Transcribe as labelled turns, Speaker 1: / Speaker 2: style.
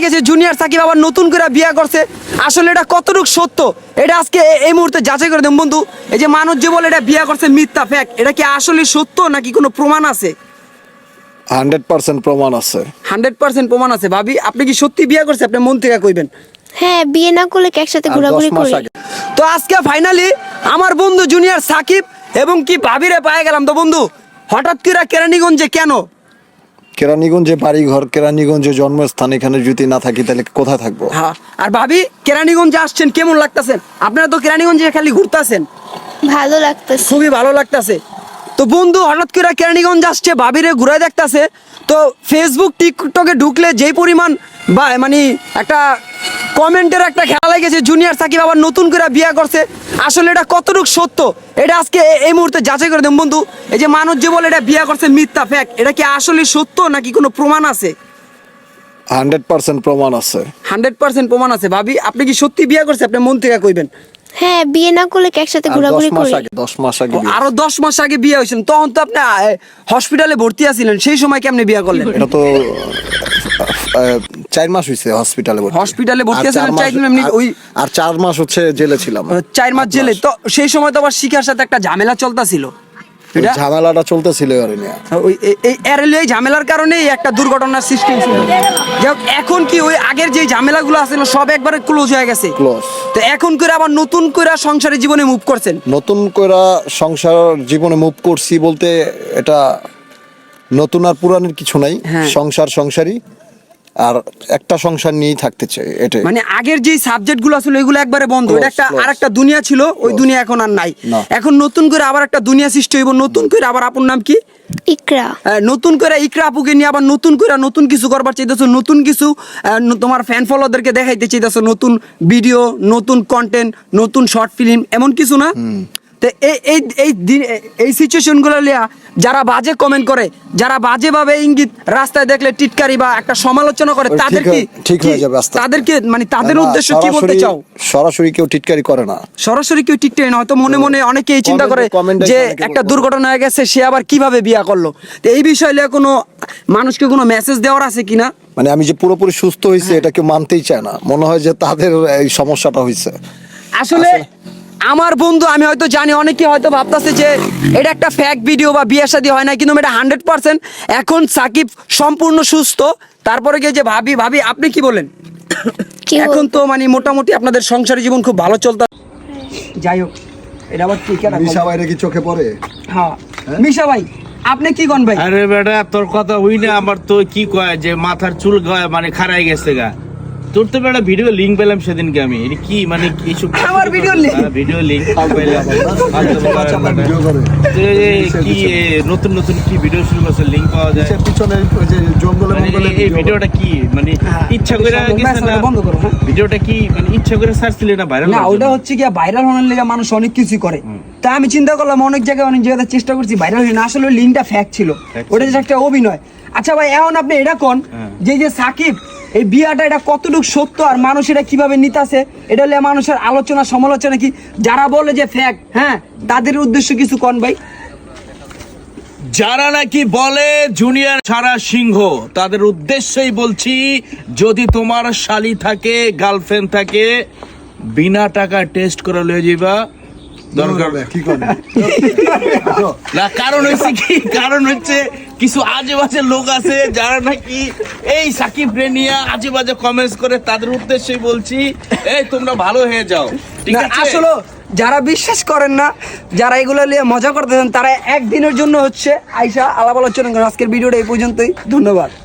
Speaker 1: গেছে জুনিয়র সাকিব আবার নতুন করে বিয়ে করছে। আসলে এটা কতটুকু সত্য এটা আজকে এই মুহূর্তে যাচাই করে দেন বন্ধু। এই যে মানুষ যে বলে এটা বিয়ে করছে মিথ্যা ফ্যাক্ট, এটা কি আসলে সত্য নাকি কোনো প্রমাণ আছে?
Speaker 2: 100% প্রমাণ আছে।
Speaker 1: 100% প্রমাণ আছে। ভাবি আপনি কি সত্যি বিয়ে করছে? আপনি মন থেকে কইবেন।
Speaker 3: হ্যাঁ, বিয়ে না করলে কি একসাথে ঘোরাঘুরি করি?
Speaker 1: তো আজকে ফাইনালি আমার বন্ধু জুনিয়র সাকিব এবং কি ভাবিরে পায়ে গেলাম। তো বন্ধু হঠাৎ করে কেরানীগঞ্জে কেন?
Speaker 2: কেরানীগঞ্জে বাড়ি ঘর, কেরানীগঞ্জে জন্মস্থান, এখানে যদি না থাকি তাহলে কোথায় থাকবো?
Speaker 1: হ্যাঁ, আর ভাবি কেরানীগঞ্জে আসছেন কেমন লাগতেছেন? আপনারা তো কেরানীগঞ্জে খালি ঘুরতেছেন।
Speaker 3: ভালো লাগতেছে।
Speaker 1: খুবই ভালো লাগতেছে। তো বন্ধু হঠাৎ করে কেরানীগঞ্জ আসছে, ভাবিরে ঘুরে দেখতেছে। তো ফেসবুক টিকটকে ঢুকলে যেই পরিমাণ বা মানে একটা কমেন্টের একটা খেলা লেগেছে জুনিয়র সাকিব আবার নতুন করে বিয়ে করছে। আসলে এটা কতটুকু সত্য এটা আজকে এই মুহূর্তে যাচাই করে দেন বন্ধু। এই যে মানুষ যে বলে এটা বিয়ে করছে মিথ্যা ফ্যাক্ট, এটা কি আসলে সত্য নাকি কোনো প্রমাণ আছে?
Speaker 2: 100% প্রমাণ আছে।
Speaker 1: 100% প্রমাণ আছে। ভাবি আপনি কি সত্যি বিয়ে করছে? আপনি মন থেকে কইবেন।
Speaker 3: হ্যাঁ, বিয়ে না করলে কি একসাথে
Speaker 2: আর
Speaker 3: ঘোরাঘুরি
Speaker 2: 10 মাস
Speaker 3: করি?
Speaker 2: আগে 10 মাস আগে বিয়ে।
Speaker 1: আরো 10 মাস আগে বিয়ে হয়েছেন, তখন তো আপনি হসপিটালে ভর্তি আছিলেন। সেই সময় কেমনে বিয়ে করলেন?
Speaker 2: এটা তো 4 মাস হইছে হসপিটালে ভর্তি।
Speaker 1: হসপিটালে ভর্তি
Speaker 2: আর
Speaker 1: আছেন
Speaker 2: 4 মাস-
Speaker 1: 4 এমনি ওই
Speaker 2: আর 4 মাস হচ্ছে জেলে ছিলাম।
Speaker 1: 4 মাস জেলে। তো সেই সময় তো আবার শিখার সাথে একটা ঝামেলা চলতেছিল।
Speaker 2: ওই ঝামেলাটা চলতেছিল আর নিয়ে।
Speaker 1: ওই এই ঝামেলার কারণে একটা দুর্ঘটনার সৃষ্টি হয়েছিল। যাক এখন কি ওই আগের যে ঝামেলাগুলো আছিল সব একবারে ক্লোজ হয়ে গেছে?
Speaker 2: ক্লোজ।
Speaker 1: তো এখন করে আবার নতুন করে সংসারের জীবনে মুভ করছেন?
Speaker 2: নতুন করে সংসার জীবনে মুভ করছি বলতে এটা নতুন আর পুরানের কিছু নাই।
Speaker 1: হ্যাঁ।
Speaker 2: সংসারই আর একটা সংসার নিয়েই থাকতে চাই, এটাই।
Speaker 1: মানে আগের যে সাবজেক্টগুলো ছিল এগুলো একবারে বন্ধ।
Speaker 2: Close,
Speaker 1: এটা একটা
Speaker 2: close.
Speaker 1: আরেকটা দুনিয়া ছিল, ওই দুনিয়া এখন আর নাই।
Speaker 2: না।
Speaker 1: এখন নতুন করে আবার একটা দুনিয়া সৃষ্টি হইব। নতুন করে আবার আপনার নাম কি?
Speaker 3: ইকরা।
Speaker 1: নতুন করে ইকরা আপুকে নিয়ে আবার নতুন করে নতুন কিছু করবার চাইতেছো, নতুন কিছু তোমার ফ্যান ফলোয়ারদেরকে দেখাইতে চাইতেছো, নতুন ভিডিও, নতুন কন্টেন্ট, নতুন শর্ট ফিল্ম, এমন কিছু না? তো এই সিচুয়েশনগুলো লিয়া যারা বাজে কমেন্ট করে, যারা বাজেভাবে ইঙ্গিত রাস্তায় দেখলে টিটকারি বা একটা সমালোচনা করে, তাদের কি
Speaker 2: ঠিক হয়ে যাবে আস্তে আস্তে।
Speaker 1: তাদেরকে মানে তাদের
Speaker 2: না,
Speaker 1: উদ্দেশ্য কি বলতে চাও?
Speaker 2: সরাসরি কেউ টিটকারি করে না।
Speaker 1: সরাসরি কেউ টিকটে না, হয়তো মনে মনে অনেকেই চিন্তা করে
Speaker 2: কমেন্টে
Speaker 1: যে
Speaker 2: অনেকে
Speaker 1: একটা
Speaker 2: বলে।
Speaker 1: দুর্ঘটনা হয়ে গেছে, সে আবার কিভাবে বিয়া করলো। তো এই বিষয়ে কোনো মানুষকে কোনো মেসেজ দেওয়ার আছে কিনা?
Speaker 2: মানে আমি যে পুরোপুরি সুস্থ হয়েছে এটা কেউ মানতেই চায় না। মনে হয় যে তাদের এই সমস্যাটা হয়েছে।
Speaker 1: আসলে আমার বন্ধু আমি হয়তো জানি অনেকে হয়তো ভাবতেছে যে এটা একটা ফ্যাক ভিডিও বা বিয়ে শাদী হয় না, কিন্তু এটা 100% এখন সাকিব সম্পূর্ণ সুস্থ। তারপরে গিয়ে যে ভাবি আপনি কি বলেন?
Speaker 3: কি
Speaker 1: এখন তো মানে মোটামুটি আপনাদের সংসারী জীবন খুব ভালো চলতে। যাই হোক, এটা আবার কি কেন?
Speaker 2: মিশা বাইরে কি চোখে পড়ে?
Speaker 1: হ্যাঁ মিশা ভাই আপনি কি কোন ভাই?
Speaker 4: আরে বেটা তোর কথা হই না, আমার তো কি কয় যে মাথার চুল গায় মানে খারাই গেছে গা। তোর তো বেটা ভিডিও লিংক পেলাম সেদিনকে আমি। এটা কি মানে কিছু
Speaker 1: আমার ভিডিও লিংক?
Speaker 4: ভিডিও লিংক পেলাম।
Speaker 2: ভিডিও করে।
Speaker 4: কি নতুন কি ভিডিও শুরু করছে, লিংক পাওয়া যায়?
Speaker 2: পিছনে ওই যে জঙ্গলে
Speaker 4: মানে
Speaker 2: মঙ্গলে
Speaker 4: এই ভিডিওটা কি মানে ইচ্ছা করে গেছে না?
Speaker 1: বন্ধ করো। হ্যাঁ
Speaker 4: ভিডিওটা কি মানে ইচ্ছা করে সার্চ দিলে না ভাইরাল?
Speaker 1: না, ওটা হচ্ছে কি ভাইরাল হওয়ার লেগে মানুষ অনেক কিছু করে। তা আমি চিন্তা করলাম অনেক জায়গায় চেষ্টা করছি ভাইরাল হয় না। আসলে লিঙ্কটা ফ্যাক্ট ছিল, ওটা যে একটা অভিনয়। আচ্ছা ভাই এখন আপনি এটা কোন যে সাকিব এই বিয়াটা এটা কতটুকু সত্য আর মানুষ এটা কিভাবে নিতেছে, এটা হলে মানুষের আলোচনা সমালোচনা কি? যারা বলে যে ফ্যাক্ট, হ্যাঁ তাদের উদ্দেশ্য কিছু কোন ভাই?
Speaker 4: যারা নাকি বলে জুনিয়র সারা সিংহ, তাদের উদ্দেশ্যই বলছি, যদি তোমার শালি থাকে, গার্লফ্রেন্ড থাকে, বিনা টাকা টেস্ট করে লয়ে যাইবা। দরকার
Speaker 2: কি করে?
Speaker 4: না, কারণ হচ্ছে কিছু আজে বাজে লোক আছে যারা নাকি এই সাকিব রে নিয়ে আজে বাজে কমেন্টস করে, তাদের উদ্দেশ্যই বলছি এই তোমরা ভালো হয়ে যাও, ঠিক
Speaker 1: না,
Speaker 4: আছে?
Speaker 1: আসলে যারা বিশ্বাস করেন না, যারা এগুলো নিয়ে মজা করতেছেন, তারা একদিনের জন্য হচ্ছে আইসা আলাপ আলোচনা করেন। আজকের ভিডিওটা এই পর্যন্তই, ধন্যবাদ।